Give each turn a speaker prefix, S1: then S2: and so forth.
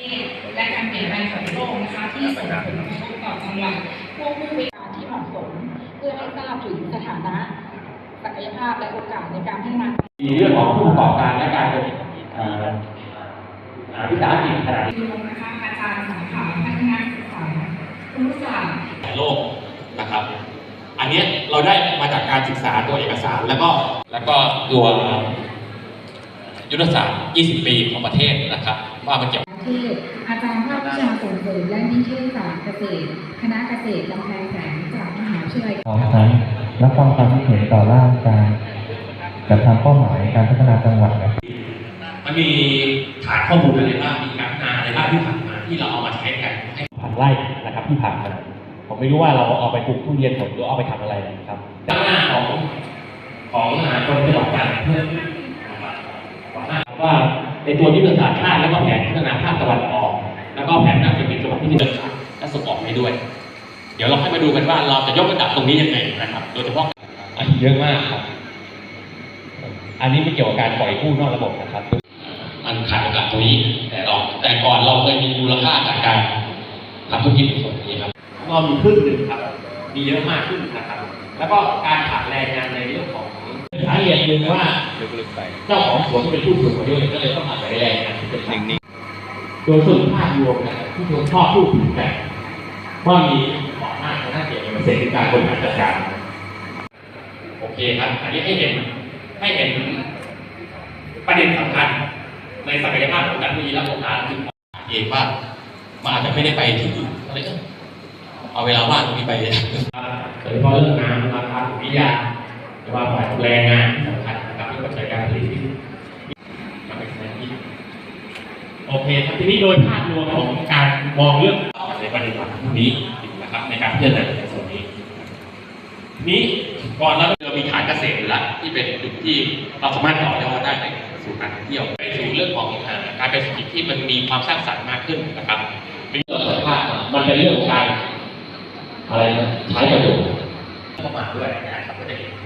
S1: และการเปลี่ยนแปลงของโลกนะคะที่ส่งผลกระทบต่อจังหวัดควบคู่ไปกับการที่เหมาะสมเพื่อให้ทราบถึงสถานะศักยภาพและโอกาสในการพัฒนา
S2: มีเรื่องของผู้ประกอบการและการเป็นวิสาหกิจขนาด
S1: นี้นะคะอาจารย์สาขาพัฒนาศึกษาครุศาสตร์
S3: โลกนะครับอันนี้เราได้มาจากการศึกษาตัวเอกสารแล้วก็ตัวยุทธศาสตร์ 20 ปีของประเทศนะครับว่ามันเกี่ยว
S1: ที่อาจารย์ภาควิชาส่งเสริมและนิเทศศาสตร์เกษตรคณะเกษตรกำแพงแสนจากมหาวิทยาลัย
S4: พร้อมทั้งรับฟังความคิดเห็นต่อร่างการจัดทำเป้าหมายการพัฒนาจังหวัด
S3: มันมีฐานข้อมูลอะไรบ้างมีการพัฒนาอะไรบ้างที่ผ่านมาที่เราเอามาใช้กันให้
S2: ผ่านไร่นะครับที่ผ่านมาผมไม่รู้ว่าเราเอาไปปลูกทุเรียนหรือเอาไปทำอะไรนะครับ
S3: ด้านหน้าของกรมจังหวัดจันทร์เพื่อ
S2: ว่าในตัวยุทธศาสตร์ชาติแล้วก็แผนพัฒนาภาคตะวันออกแล้วก็แผนการเศรษฐกิจจังหวัดที่มีเดินทางและส่งออกให้ด้วยเดี๋ยวเราค่อยมาดูกันว่าเราจะยกระดับตรงนี้ยังไงนะครับโดยเฉพาะเยอะมากครับอันนี้ไม่เกี่ยวกับการปล่อยกู้นอกระบบนะครับ
S3: มันขาดโอกาสตรงนี้แต่ก่อนเราเคยมีมูลค่าจากการทำธุรกิจในส่วนนี้ครับ
S2: ก็มีครึ่งหนึ่งครับมีเยอะมากขึ้นนะครับแล้วก็การขาดแรงงานในเรื่องของสาเหตุหนึ่งว่าเจ้าของสวนเป็นผู้สูงอายุก็เลยต้องขาดแรงงานที่เป็นนิ่งๆโดยส่วนภาพรวมนะที่ชมชอบผู้ถือแต่ว่ามีเหมาะมากน่าเกี่ยวกับเศรษฐกิจการบริหารจัดการ
S3: โอเคครับอันนี้ให้เห็นประเด็นสำคัญในศักยภาพของการวิและโอกาสที่เองว่ามันอาจจะไม่ได้ไปที่อื่นอะไรก็เอาเวลาว่างตรงนี้ไป
S2: โดยเฉพาะเรื่องน้ำราคาวิทยาหรือว่าฝ่ายแรงงานที่สำคัญนะครับเรื่องปัจจัยการผลิตที่มาเป็นสถานที่โอเคครับทีนี้โดยภาพรวมของการมองเรื่องในประเด็นหลักนี้นะครับในการพิจารณาในส่วนนี้
S3: นี้ก่อนแล้วเรามีฐานเกษตรอยู่แล้วที่เป็นจุดที่เราสามารถต่อยอดได้ไปสู่การท่องเที่ยวไปสู่เรื่องของการเป็นเศรษฐกิจที่มันมีความสร้างสรรค์มากขึ้นนะครับ
S2: เป็นเรื่องสุขภาพมันเป็นเรื่องของการอะไรนะใช้ประโยชน์
S3: เข้ามาด้วยนะครับ